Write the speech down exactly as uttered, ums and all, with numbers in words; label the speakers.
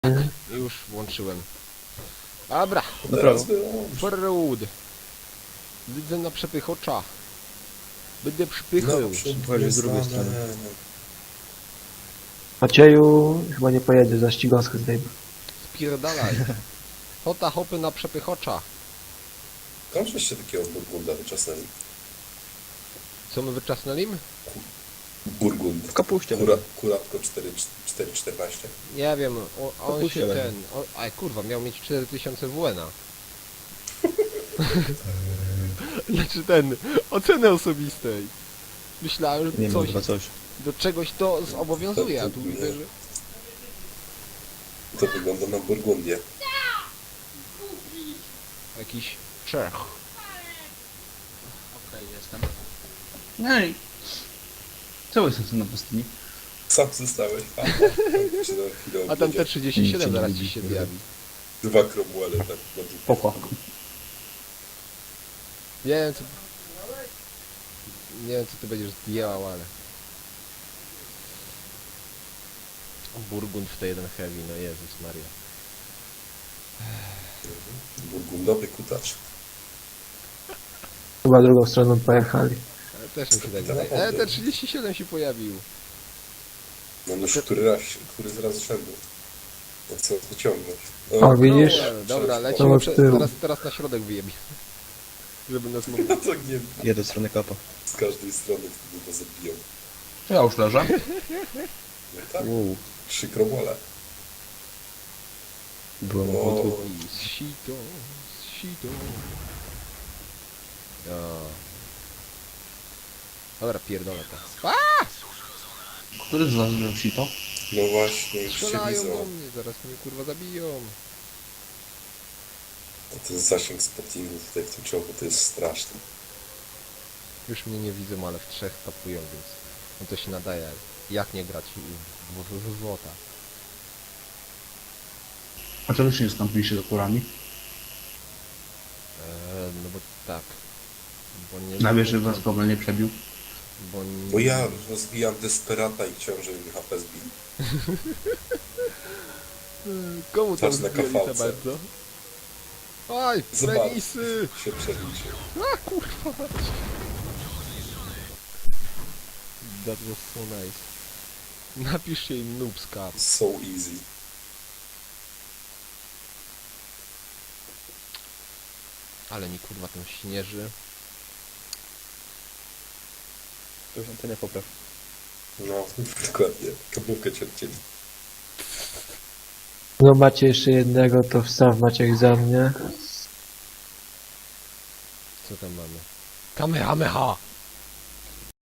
Speaker 1: Już włączyłem. Dobra.
Speaker 2: Dobra.
Speaker 1: Forward. Widzę na przepychocza. Będę przypychał.
Speaker 2: Chodź z drugiej strony.
Speaker 3: Macieju chyba nie pojedzie, za ścigąskę zdejmę.
Speaker 1: Spierdalaj. Hota hopy na przepychocza.
Speaker 2: Tam żeście takiego Burgunda wyczasnęli.
Speaker 1: Co my wyczasnęli?
Speaker 2: Burgund.
Speaker 4: W kapuście.
Speaker 2: Kura, kuratko cztery czternaście.
Speaker 1: Nie wiem, o, on
Speaker 4: Kapuście
Speaker 1: się
Speaker 4: będzie.
Speaker 1: ten... O, aj kurwa, miał mieć cztery tysiące W N-a. Znaczy ten, oceny osobistej. Myślałem,
Speaker 4: Nie
Speaker 1: że
Speaker 4: wiem,
Speaker 1: coś,
Speaker 4: chyba coś.
Speaker 1: do czegoś to zobowiązuje, a tu widzę, że...
Speaker 2: To wygląda na Burgundię.
Speaker 1: Jakiś Czech.
Speaker 5: Okej, jestem. Ej! Co jestem tu na pustyni?
Speaker 2: Sam zostałeś. A, tam się na chwilę
Speaker 1: A tam
Speaker 2: obiedzie.
Speaker 1: T trzydzieści siedem
Speaker 4: Nic
Speaker 1: zaraz
Speaker 4: nie
Speaker 1: ci się
Speaker 4: widzi.
Speaker 1: zjawi.
Speaker 2: Dwa Cromwelle tak na dół.
Speaker 4: Poko.
Speaker 1: Nie wiem co... Nie wiem co ty będziesz zdjęłał, ale... Burgund w T jeden Heavy, no Jezus Maria.
Speaker 2: Burgundowy kutacz.
Speaker 3: Chyba drugą stroną pojechali.
Speaker 1: Ale też mi się tak wydaje. E, T trzydzieści siedem się pojawił.
Speaker 2: No już który raz, który z raz rzędu. Ja chcę wyciągnąć.
Speaker 3: O, widzisz?
Speaker 1: No, dobra,
Speaker 3: To
Speaker 1: lecimy,
Speaker 3: od
Speaker 1: prze...
Speaker 3: tyłu.
Speaker 1: teraz, teraz na środek wyjebie. Żeby nas mógł...
Speaker 2: No to nie
Speaker 4: Jedę w stronę kapa.
Speaker 2: z każdej strony wtedy to zabiją.
Speaker 5: Ja już leżę.
Speaker 2: No tak,
Speaker 4: Wow.
Speaker 2: trzy Cromwelle.
Speaker 4: Byłem
Speaker 2: O.
Speaker 4: o.
Speaker 1: Sito, sito. O. Dobra, pierdolę to. A!
Speaker 5: Który z was zrobił sito?
Speaker 2: No właśnie, już się
Speaker 1: Strzelają do
Speaker 2: widzą.
Speaker 1: mnie, zaraz mnie kurwa zabiją.
Speaker 2: A ten zasięg spottingu tutaj w tym czołgu to jest straszny.
Speaker 1: Już mnie nie widzą, ale w trzech tapują, więc no to się nadaje. Jak nie grać w, w, w złota?
Speaker 5: A czego się nie skąpiliście za kurami?
Speaker 1: Eee, no bo tak. Bo nie...
Speaker 5: Na wieży was goblin nie przebił.
Speaker 1: Bo, nie,
Speaker 2: Bo ja rozbijam desperata i chciałem, żeby mi H P zbił.
Speaker 1: Komu tam
Speaker 2: Czas na
Speaker 1: zbili za
Speaker 2: kafalce.
Speaker 1: bardzo? Oj,
Speaker 2: Zobacz.
Speaker 1: penisy!
Speaker 2: Się przeliczył.
Speaker 1: A kurwa! That was so nice. Napiszcie im noobska.
Speaker 2: So easy.
Speaker 1: Ale mi kurwa tam śnieży.
Speaker 4: To już antenę popraw.
Speaker 2: No, dokładnie. Kablówkę cię odcięli.
Speaker 3: No macie jeszcze jednego, to wstaw Maciek za mnie.
Speaker 1: Co tam mamy? Kamehameha!